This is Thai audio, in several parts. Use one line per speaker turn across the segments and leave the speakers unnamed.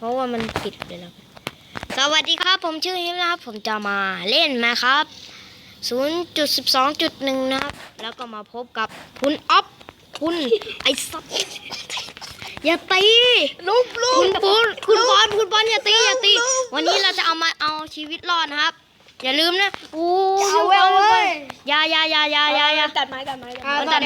เพราะว่ามันปิดไปแล้วสวัสดีครับผมชื่อฮิมนะครับผมจะมาเล่นนะครับ 0.12.1 นะครับแล้วก็มาพบกับคุณอ๊อฟคุณไอ้สัตว์อย่าตีลูกคุณบอลอย่าตีวันนี้เราจะเอาชีวิตรอดนะครับอย่าลืมนะ
เอาเว้ย
อย่า
ตัดไม้สวัสดีครับสวัส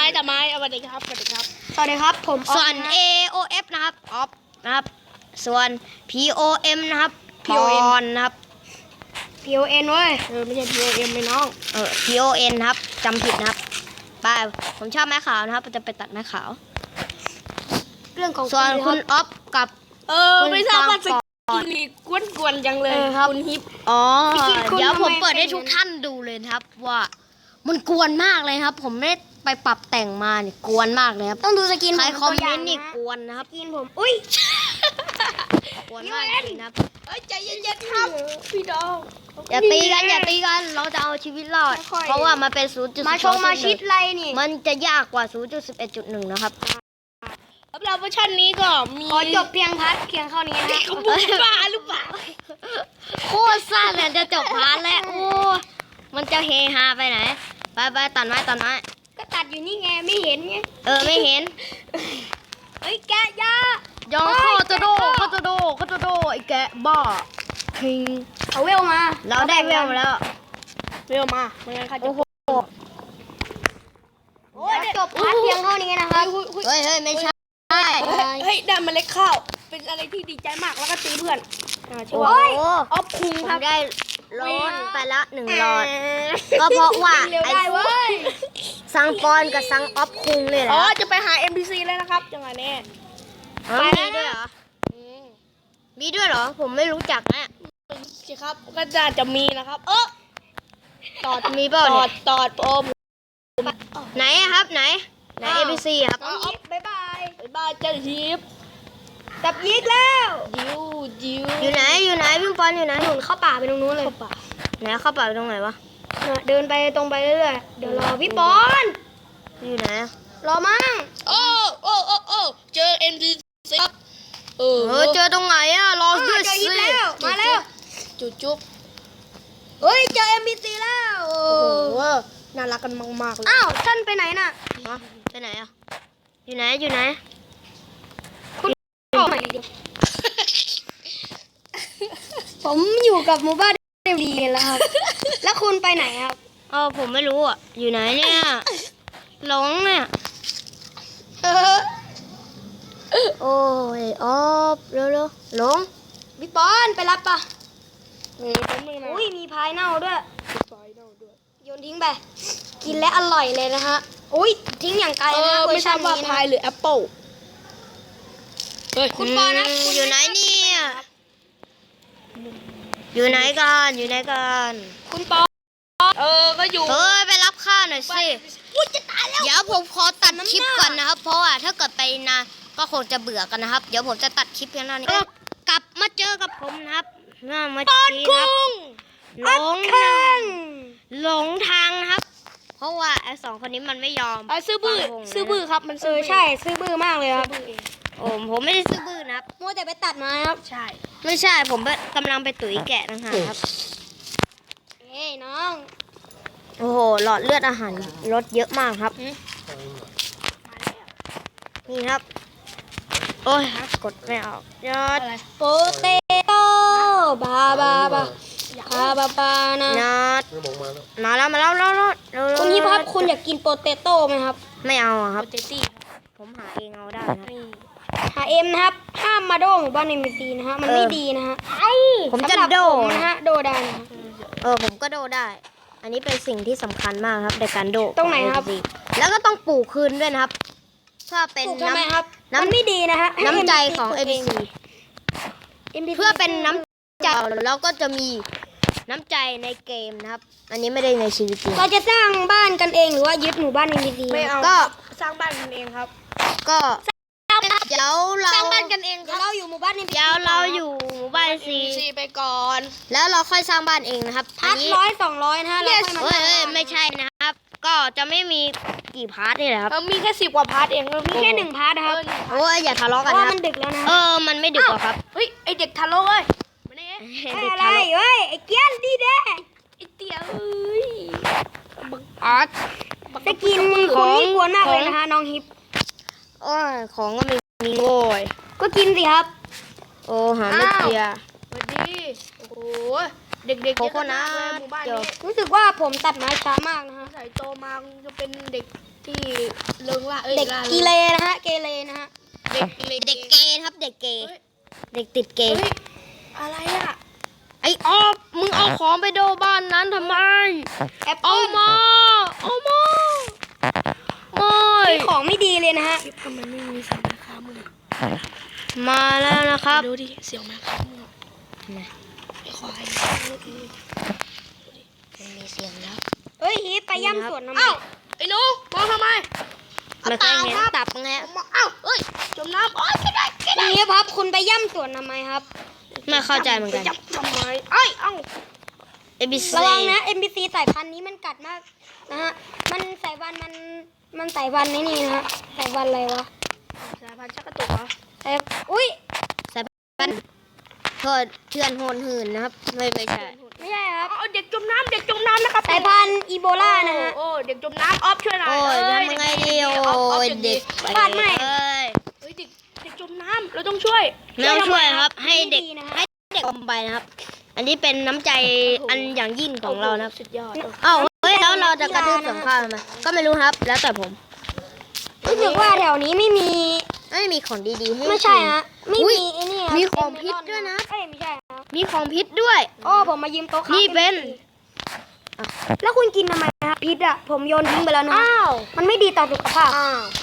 ดีครับผม
ส่วน AOF นะครับออฟนะครับส่วน POM นะครับปอนนะครับ
PON เว้ยไม่ใช่ POM เลยน้อง
PON นะครับจำผิดนะครับไปผมชอบไม้ขาวนะครับจะไปตัดไม้ขาว
เรื่องของ
ส่วนคุณอ๊อฟกับ
ไม่ทราบว่าสกินนี่กวนจังเลยคุณฮิป
เดี๋ยวผมเปิดให้ทุกท่านดูเลยนะครับว่ามันกวนมากเลยครับผมไม่ไปปรับแต่งมาเนี่ยกวนมากเลยครับ
ต้องดูสกิน
ใครคอมเมนต์นี่กวนนะครับ
สกินผมอุ้ย
กวนมากจริงครับ
ใจเย็นๆครับพี่ดอง
อย่าตีกันเราจะเอาชีวิตรอดเพราะว่ามันเป็น 0.2
มาชิดไรนี่
มันจะยากกว่า 0.11.1 นะครับ
สำหรับเวอร์ชันนี้ก็มีขอจบเพียงเท่านี้นะบ้าหรือเปล่า
โคตรสั้นเลยจะจบพาร์ทแล้วโอ้มันจะเฮฮาไปไหนไปตัดไม้
ก็ตัดอยู่นี่ไงไม่เห็นไง
ไม่เห็น
เฮ้ยแกะยาย
องข้อจะโดไอ้แกะบ้าคิง
เอาเวลมา
เราได้เวลมาแล้ว
มันไงคะโอ้โหจบพาร์ทเพียงเท่านี้นะครับ
เฮ้ยไม่ใช่
เฮ้ยได้เมล็ดข้าวเป็นอะไรที่ดีใจมากแล้วก็ตีเพื่อน
โอ้
ออฟคุงครับ
ได้ร้อนไปละ1 หลอดก็เพราะว่าไอ้ซังปอนกับซังออฟคุงเลยแหละ
จะไปหา NPC แล้วนะครับจังหวะนี้
มีด้วยเหรอผมไม่รู้จักนะ
สิครับก็จะมีนะครับ
ตอดมีเปล่าเนี่ย
ตอด
ไหนครับไหน NPC ครับ
บ๊ายบายเจ้าฮิปจับยิกแล้วดิว
อยู่ไหนพี่ปอนอยู่ไหน
หนุนเข้าป่าไปตรงนู้นเลย
ไหนเข้าป่าไปตรงไหนวะ
เดินไปตรงไปเรื่อยๆเดี๋ยวรอพี่ปอน
อยู่ไหน
รอมั่งเจอ NPC ครับ
เจอตรงไหนรอด้วยสิ
มาแล้วจุ๊บเฮ้ยเจอ NPC แล้วโอ้โหน่ารักกันมากๆเลยอ้าวท่านไปไหนน่ะ
ไปไหนอยู่ไหน
คุณผมอยู่กับหมู่บ้านเดลีแล้วครับแล้วคุณไปไหนครับ
ผมไม่รู้อยู่ไหนเนี่ยหลงเนี่ยโอ้ยเร็วหลง
พี่ปอนไปรับปะอุ้ยมีพายเน่าด้วยโยนทิ้งไปกินและอร่อยเลยนะฮะอุ้ยทิ้งอย่างไกลนะ
ไม่ทราบว่าพายหรือแอปเปิ้ล
คุณปอนนะ
อยู่ไหนเนี่ยอยู่ไหนกัน
คุณปอนก็อยู่
ไปรับข้าหน่อยสิ
จะตายแล้ว
เดี๋ยวผมขอตัดคลิปก่อนนะครับเพราะว่าถ้าเกิดไปนานก็คงจะเบื่อกันนะครับเดี๋ยวผมจะตัดคลิปเพียงเท่านี้กลับมาเจอกับผมนะครับมาทีครับหลงทางนะครับเพราะว่าไอ้2 คนนี้มันไม่ยอม
ซื่อบื้อครับมันใช่ซื่อบื้อมากเลยครับ
ผมไม่ได้ซื่อบื้อนะครับ
มัวแต่ไปตัดมาครับ
ใช่ไม่ใช่ผมกำลังไปตุ๋ยแกะต่างหากครับ
น้อง
โอ้โหหลอดเลือดอาหารลดเยอะมากครับนี่ครับโอ้ยกดไม่ออกยอด
โปเตโต้บานะ
มาแล้ว
คุณฮิปครับคุณอยากกินโปเตโต้ไหมครับ
ไม่เอาครับผมหาเองเอาได้นะ
หาเอ็มนะครับห้ามมาโดหมู่บ้านNPCนะฮะมันไม่ดีนะฮะ
ผมจะโด
นะฮะโดได้นะ
ผมก็โดได้อันนี้เป็นสิ่งที่สำคัญมากครับในการโด
ตรงไหนครับ
แล้วก็ต้องปลูกคืนด้วยนะครับถ้าเป็น
น้ำไม่ดีนะฮะ
น้ำใจของ NPC เพื่อเป็นน้ำใจเราก็จะมีน้ำใจในเกมนะครับอันนี้ไม่ได้ในชีวิตจริง
เราจะสร้างบ้านกันเองหรือว่ายึดหมู่บ้าน NPC
ไม่เอาก็
สร้างบ้านกันเองครับ
ก็เดี๋ยวเรา
สร้างบ้านกันเองเราอยู่หมู่บ้าน NPC
เดี๋ยวเราอยู่หมู่บ้าน NPC NPC
ไปก่อน
แล้วเราค่อยสร้างบ้านเองนะครับ
พาร์ท100-200นะฮะแล้วค่อยมา
เฮ้ย
สร้างบ้าน
ไม่ใช่นะครับ ก็จะไม่มีกี่พาร์ทนี่แหละครับ
เรามีแค่10 กว่าพาร์ทเอง
มีแค่1 พาร์ทนะครับ
โอ้ยอย่าทะเลาะ
เพ
กัน
ราะว่า
นะ
มันดึกแล้วนะ
มันไม่ดึกหรอกครับ
เฮ้ย ไอเด็กทารกเอ้ยมาเนี่ย
เด็ก
อะไร
ทะเลาะ
เฮ้ยไอ้เกี้ยนดีเด้
ไอเตี๋ยเอ้ยบัก
อาร์ต
จะกินของนี่กวนมากเลยนะคะน้องฮิป
โอ้ยของก็ไม่มีโว้ย
ก็กินสิครับ
โอ้หาไม่เจอ
สวัสดีโอ้โหเด็กๆ
โคโค่นัท
เยอะมากเลยหมู่บ้าน
เดี๋ยว
นี้
รู้สึกว่าผมตัดไม้ช้ามากนะฮะ
ใส่โตมาคงจะเป็นเด็กที่เริงล่า
เด็ก
ล่า
กีเลนะฮะเกเรนะฮะ
เด็กเด็ก
เด็กเกย์ครับเด็กเกย์
เฮ้ย
เด็กติดเก
เฮ้
ย์
ยอะไรอ่ะ
ไอ้ออฟมึงเอาของไปโดบ้านนั้นทำไม
แอป
เอา
เปิ้ล
มาไม่
มีของไม่ดีเลยนะฮะ
ทำไมไม่มีเสียงแม่ค้ามึง
มาแล้วนะครับ
ดูดิเสียงแม่ค้ามึงไอ้ควาย
ไม่มีเสียงแล้ว
เฮ้ยฮิปไปย่ำสวนทำไม
เอ้าไอ้หนูมองทำไม
ไม่เคยเห็นตับไง
ผมมองเอ้าเอ้ยจมน้ำโอ๊ยไม่ได้
ฮิปครับคุณไปย่ำสวนทำไมครับ
ไม่เข้าใจเหมือนกัน
จับทำไมเอ้ยเอ้า
ABC
ระวังนะ NPC สายพันธุ์นี้มันกัดมากนะฮะ มันสายพันธุ์มันสายพันธุ์นี่นะฮะ สายพันธุ์อะไรวะ
สายพันธุ์ชักกระตุกเหรอ
สายอุ้ย
สายพันธุ์โทษเทือนโหนหืนนะครับ ไม่ใช่
ไม่ใช่ครับ
เอาเด็กจมน้ำเด็กจมน้ำนะครับ
สายพันธุ์อีโบลานะฮะ
โอ้เด็กจมน้ำออฟช่วยหน่อย
โอ้ย
เ
ทำยังไงดีโอ้ยเด็ก
บ้านใหม่
เอ้ย
เฮ้ยเด็กจมน้ำเราต้องช่วย
ไม่ต้องช่วยครับ ให้เด็ก
ไม่ดีนะฮะ
ให้เด็กอมไปนะครับ อันนี้เป็นน้ำใจอันอย่างยิ่งของเรานะครับ
สุดยอด
เอ้าเฮ้ยแล้วเราจะกระทืบสงครามทำไมก็ไม่รู้ครับ แล้วแต่ผม
รู้สึกว่าแถวนี้ไม่มี
ไม่มีของดีๆให้
ไม่ใช่
กิน
ฮะ ไม่
อุ๊ย
มีไอ้นี่ครับ
มีของพิษด้วยนะ
เอ้ยไม่ใช่ครับ
มีของพิษด้วย
โอ้ผมมายืมโต๊ะครับ
นี่เป็น
แล้วคุณกินทำไมครับพิษอ่ะ ผมโยนทิ้งไปแล้วนะ
อ้าว
มันไม่ดีต่อสุขภาพ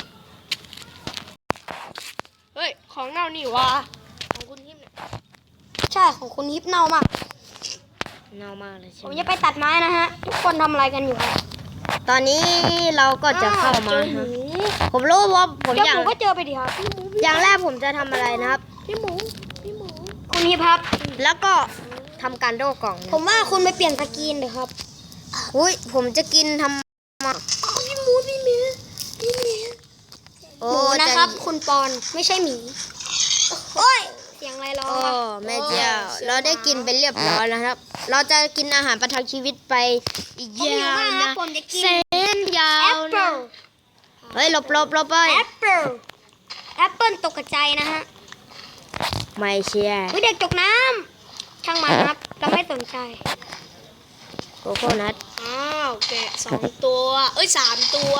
เฮ้ยของเน่านี่วะของคุณทิมเนี่ย
ใช่ของคุณฮิปเน่ามาก
เน่ามากเลยใช่
ผม
ไหม
จะไปตัดไม้นะฮะ ทุกคนทำอะไรกันอยู่ครับ
ตอนนี้เราก็จะเข้ามา
เจอหมู
ฮะผมรู้ว่าผม
เจ้า
อย่าง
หมูก็เจอไปดิครับ
อย่างแรกผมจะทำอะไรนะครับ
พี่หมูพี่หมู
คุณฮิปครับ
แล้วก็ทำการโดกล่องนะ
ผมว่าคุณไปเปลี่ยนสกรีนเลยครับ
อุ้ยผมจะกินทำมา
พี่หมูพี่หมีพี่หมี
โอ้
หมูนะครับ
ใจ
คุณปอนไม่ใช่หมีโอ้ยเสียงอะไรร้อง
โอ้
วะ
แม่เจ้าเราได้กินไปเรียบร้อยแล้วครับ เราจะกินอาหารประทังชีวิตไปอีก
ผมหิวย
าว
มากครั
นะ
บผมจะกิน
เส้นยา
แอ
ว
ปเปิ
นะ
ล
เฮ้ยหลบไป
แอปเปิลแอปเปิลตกกระจายนะฮะ
ไม่เชื่อ
วิเด็กตกน้ำช่างมันครับ เราไม่สนใจ
โกโก้นัท
อ้าวแกะ2 ตัวเอ้ย3 ตัว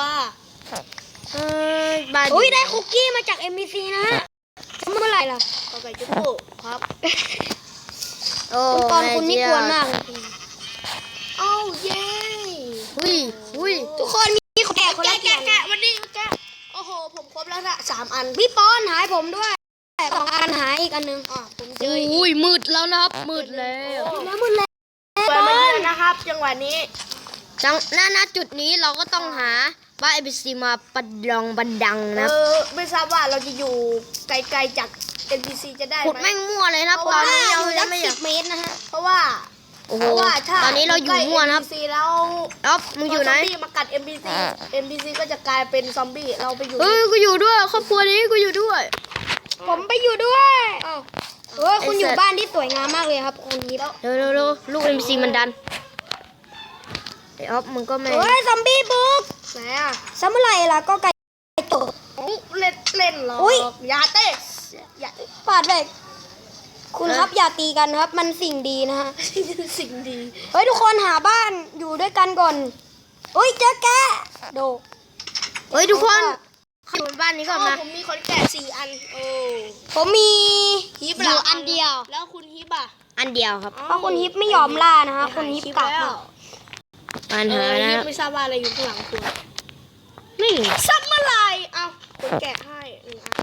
บ้าน
อุ้ยได้คุกกี้มาจาก MBC นะฮะเมื่อไหร่ล่ะ
ก็ไก่จุ๊บครับ
โอ้
คุณปอน
แม่
คุณนี่
เจ้าก
วนมากเลย
เอ้าเย้
อุ้ย
ทุกคนมีของแก่คนละเกีย
แกะวันนี้แกะโอ้โหผมครบแล้วนะ3 อัน
พี่ปอนหายผมด้วยของอันหายอีกอันหนึง
ผมเจออีก
อุ้ยมืดแล้วนะครับมืดแล้ว
แล้วมึงแล้ว
เปิดมาเยอะนะครับ จังหวะนี้
จังณจุดนี้เราก็ต้องหาบ้าน ABC มาประดองบันดังนะ
ไม่ทราบว่าเราจะอยู่ไกลๆจาก NPC จะได้
ขุด
ไหม
แม่งมั่วเลยนะ
เพ
ต
ราะ
อน
ว่า
นี้เรา
อยู่
จะ
สัก
ไม่อยา
10
ก
เมตรนะฮะ
เพราะว่า
โอ้โห
เพราะว่าถ้า
ตอนนี้เราอยู่มั่วนะครับ
ใกล้ NPC แล้ว
อ๊อฟมึงอยู่ไหน
พซมบี้มากัด NPC ก็จะกลายเป็นซอมบี้เราไปอยู่
เฮ้ยกูอยู่ด้วยครอบครัวนี้กูอยู่ด้วย
ผมไปอยู่ด้วย
อ้าว
เออคุณอยู่บ้านที่สวยงามมากเลยครับคุณฮิป
เร็วลูก MC มันดันไอออฟมึงก็ไม่
เฮ้ยซอมบี้บุก
ไหนอ่ะ
ซ้ำเมื่อไหร่ล่ะก็ไก่ตก
โอ้เล่นเหรอ
อุ๊ย
อย่าเต้อย่า
ปาดไปคุณครับอย่าตีกันครับ มันสิ่งดีนะฮะ
สิ่งดี
เฮ้ยทุกคนหาบ้านอยู่ด้วยกันก่อนอุ้ยเจอแกะโด
เฮ้ยทุกคนเข้าบ้านนี้ก่อน
อ๋อ
มา
ผมมีคนแกะ4 อันโอ้
ผมมี
ฮิป
อยู่
ล่ะ
อันเดียว
แล้วคุณฮิปอ่ะ
อันเดียวครับ
เพราะคุณฮิปไม่ยอมล่านะฮะคุณฮิปกลับ
แล้ว
ปัญหานะ
ฮิปไม่ทราบว่าอะไรอยู่ข้างหลังคุณ
นี่
ซับเมื่อไหรเอ้าคุณแกะให้1 อัน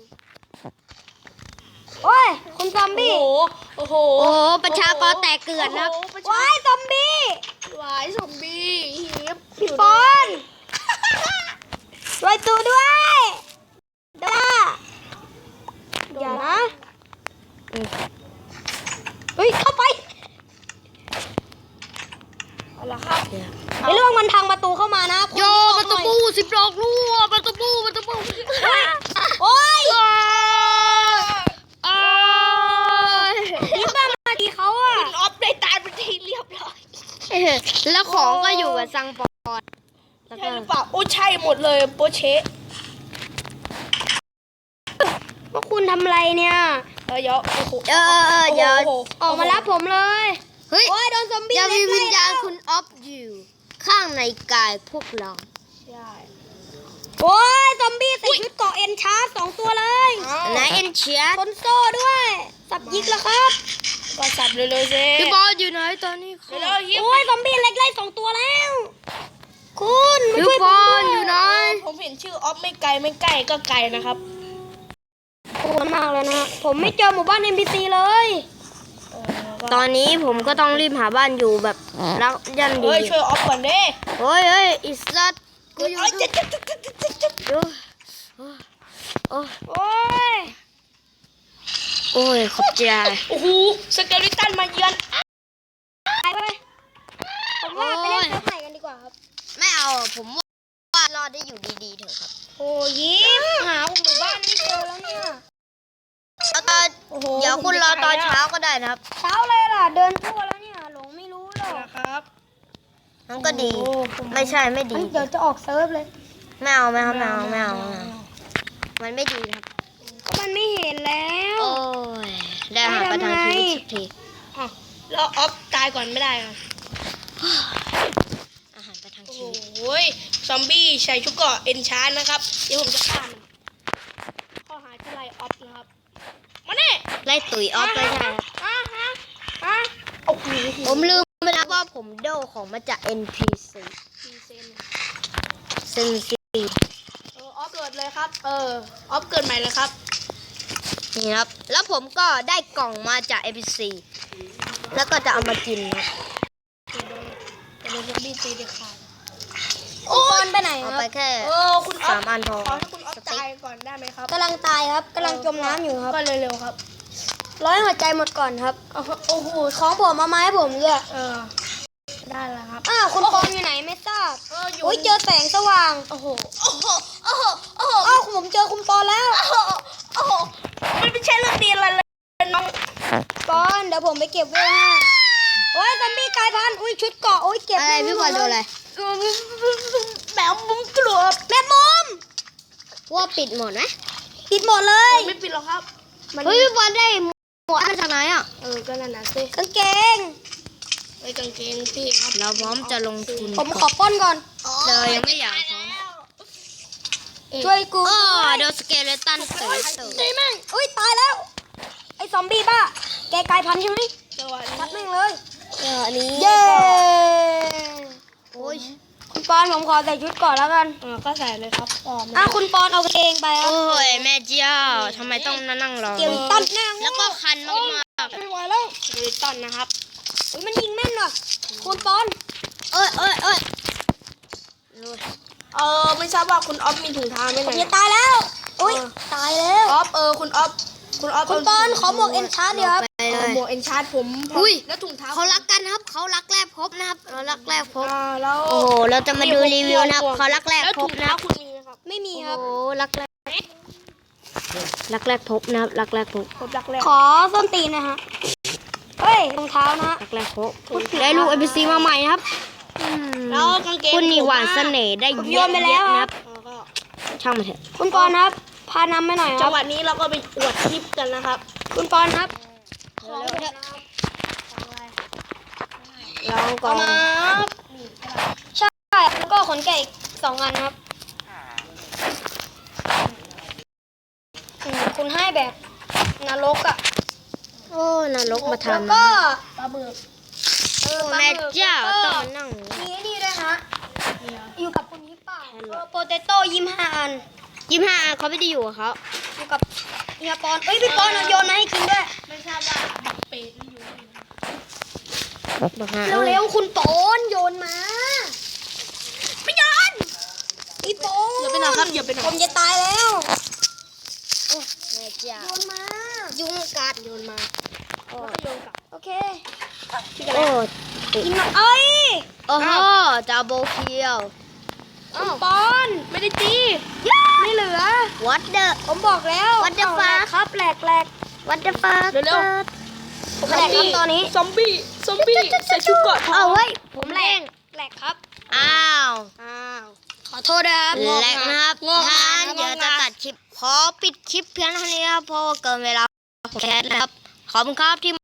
โอ้ยคุณซอมบี้
โอ้โห
โอ้โหประชากรแตกเกลื่อนนะครับ
โอ้โหประชา
ว้ายซอมบี้
วายซอมบี้ฮิป
พี่ปอนช่วยตัวด้วยด้าอย่านะเฮ้ย
อกรั่วประตูปู
โอ้ย
อ้าย
นี่บ้ามาดีเขาอ่ะ
คุณออฟได้ตายเป็นที่เรียบร้อย
แล้วของก็อยู่กับซังปอนแล้ว
ใช่
ก็
หรือเปล่าโอ้ใช่หมดเลยโปเชะ
พวกคุณทำอะไรเนี่ย
เดี๋ยวโอ้โห
เดี๋ยว
โอ้โห
ออกมารับผมเลย
เฮ้ย
โอ้ยโดนซอมบี้
ยังมี
เล็
วิญ
กๆ
ญาณ
แล้ว
คุณออฟอยู่ข้างในกายพวกเรา
ใช่
โอ้ยซอมบี้ใส่ชุดเกราะเอ็นชาร์จ2 ตัวเลย
อ้าว
ไหนเอ็นเชีย
คนโซ่ด้วย สับยิกแล้วครับ
ก็สับเลยๆสิ
พี่บอลอยู่ไหนตอนนี้ค่ะ
เร็วๆยิบ
โอ้ยซอมบี้เล็กไล่2 ตัวแล้ว คุณมา
พี่
ช่วย
บ
ผม
อ
ด้ว
ลอยู่ไหน
ผมเห็นชื่อออฟไม่ไกลไม่ใกล้ก็ไกลนะครับ
ปวดมากเลยนะ ผมไม่เจอหมู่บ้าน NPC เลย
ตอนนี้ผมก็ต้องรีบหาบ้านอยู่แบบรักยันดี
เฮ้ยช่วยออฟก่อนดิ
เฮ้ยอิสระกูอยู่
เอ้ยจะ
โอ้ย
โอ้ย
โอ้ยขอบใจ
โอ้โหสเกลิตันมาเยือน
ตายไปผมว่าไปเล่นเซิร์ฟใหม่กันดีกว่าครับ
ไม่เอาผมว่ารอดได้อยู่ดีๆเถอะครับ
โอ้ยิ้มหาหมู่บ้านไม่เจอแล้วเนี่ย
แล้วก็
โอ้โห
เดี๋ยวคุณรอตอนเช้าก็ได้นะครับ
เช้าเลยล่ะ เดินทั่วแล้วเนี่ย หลงไม่รู้หรอก
นะครับ
มันก็ดี
โอ้ผม
ไม่ใช่ไม่ดี
เฮ้ยเดี๋ยวจะออกเซิร์ฟเลย
ไม่เอาไม่เอามันไม่ดีครับ
ก็มันไม่เห็นแล้ว
โอ้ยได้หาประทังชีวิตสักที
อ้าวแล้วออฟตายก่อนไม่ได้เหรอ
อาหารประทัง
โอ้
ชีวิต
โหซอมบี้ใส่ชุดเกราะเอนชานนะครับเดี๋ยวผมจะฆ่ามันข้อหาจะไล่ออฟนะครับมาเนี่ย
ไล่ตุ๋ยออฟไปใช่ครับ
โอ้โห
ผมลืมไปแล้วว่าผมโดของมาจาก NPC
กี่เซน
เซนซี
ออฟเกิดเลยครับออฟเกิดใหม่เลยครับ
นี่ครับ แล้วผมก็ได้กล่องมาจาก NPC แล้วก็จะเอามากินครับ
จะโดนซอมบี้ตีเด็ดขาด
โอ้ยไปไหนค
เอา
รับ
ไปแค่
คุณออฟ
3 อันพอ
ขอให้คุณออฟตายก่อนได้ไหมครับ
กำลังตายครับกำลังจมน้ำอยู่ครับ
ก็เร็วๆครับ
ร้อยหัวใจหมดก่อนครับ
โอ้โห
ของผมเอามาให้ผมด้วย
ได้แล้วครับ
อ้าวคุณปอนอยู่ไหนไม่ทราบ
อยู่
โอ้ยเจอแสงสว่าง
โอ้โหโอ้โหโอ้โหโอ้โห
อ้าวผมเจอคุณปอนแล้ว
โอ้โหมันไม่ใช่เรื่องดีอะไรเลยน้อง
ปอนเดี๋ยวผมไปเก็บเวลให้โอ้ยซอมบี้กลายพันธุ์อุ้ยชุดเกราะโอ้ยเก็บ
อะไรพี่บอลดูอะไร
แมวมุ้งกลัว
แม่มุม
ว่าปิดหมดไหม
ปิดหมดเลย
ไม่ปิดหรอกครับ
เฮ้ยพี่บอลได้หมวกมาจากไหนอ่ะ
ก็นั่นนะสิ
กางเกง
ไอ้กางเกงพี่ครับ
เราพร้อมจะลงทุน
ผมขอปล้นก่อน
เลยยังไม่อยากพร้อม
ช่วยกู
โอ้โดนสเกเลตันตุ๋ย
ตีแม่งอุ้ยตายแล้ว ไอ้ซอมบี้บ้า แกกลายพันธุ์ใช่ไหม
จังหวะ
ชัด
นี้
แม่งเลย
นี้
เย้
โอ้ย
คุณปอนผมขอใส่ชุดก่อนแล้วกัน
ก็ใส่เลยครับ
คุณปอนเอากางเกงไปครับ
โอ้ยแม่เจ้าทำไมต้องนั่งรอ
เกี่ยวตันแน่ง
แล้วก็คันมาก
ไม่ไหวแล้ว
ดูต้นนะครับ
อุ้ยมันยิงแม่นว่ะคุณปอน
ๆเอ้ย
ไม่ทราบว่าคุณออฟมีถุงเท้าไหม
ผม
เนี่
จะ
ย
ตายแล้วอุ้ยตายแล้ว
ออฟคุณออฟคุณออฟ
คุณปอนขอหมวกเอ็นชาร์ดเดียวครับ
ไปเลย
หมวกเอ็นชาร์ดผม
อุ้ย
แล้วถุงเท้า
เขารักกันครับเขารักแรกพบนะครับเรารักแรกพบ
แล้ว
โอ้โหเราจะมาดูรีวิวนะครับเขารักแรก
แล้ว
พ
ถุ
บ
ง
นะ
เท้า
ครับ
คุณมีไหมครับ
ไม่มี
โอ้
ครับ
โหรักแรกพบนะครับรักแรกพบ
ผมรักแรก
ขอส้นตีนนะฮะเฮ้ยรองเท้านะฮะ
รักแรกพบได้ลูก NPC มาใหม่นะครับอืม
แล้วกางเกง
คุณนี่หวานเสน่ห์ได้
ผม
เย
โย
อะ
นไปแล้ว
ๆนะครับ
ก็
ช่างมันเถอะ
คุณปอนครับ พานำไปหน่อยค
จั
รั
ง
บ
หวะนี้เราก็ไปอวดคลิปกันนะครับ
คุณปอนครับ
ลองก่อน
ใช่แล้วก็ขนแกะอีก2 อันครับคุณให้แบบนรกอ่ะ
โอ้นรกมา
แล้ว
ทำ
ก็
ปลาหมึก
แม่เจ้า
แล้ว
ต้
ก็
องมานั่ง
มีไอ้นี่ด้วยฮะอยู่กับคุณฮิปป่าโปเตโต้25 อัน
25เขาไม่ได้อยู่กับเขา
อยู่กับเฮียปอนเอ้ยพี่ปอนเอาโยนมาให้กินด้วย
ไม่ทราบว่าเป็ดมันอยู่ที่ไหน
บอกฮะ
เร็วๆคุณปอนโยนมาไม่โยนพี่ปอน
อย่าไปไหนครับอย่าไปไหน
ผมจะตายแล้ว
แม่เจ้า
โยนมา
ยุงกัดโยนมา
แล้วก็โยนกลับ
โอเค
โอ้
กินหน่อยเอ้ย
โอ้โหดับเบิลคิว
อ้าว
ปอนไม่ได้ตี
ไม่เหลือ
What the
ผมบอกแล้ว
What the
เอาแหลก
fuck
ครับแหลก
What the fuck
เร็ว
ผมแหลกครับตอนนี้
ซอมบี้ใส่ชุดเกราะทอ
เอา
ง
เฮ้ย
ผมแหลกแหลกครับ
อ้าว
ขอโทษนะครับ
แหลกนะครับ
งอก
ถ้า
งาน
งั้นเดี๋ยวจะตัดคลิป ขอปิดคลิปเพียงเท่านี้ครับเพราะว่าเกินเวลาของแคสแล้วครับ ขอบคุณครับที่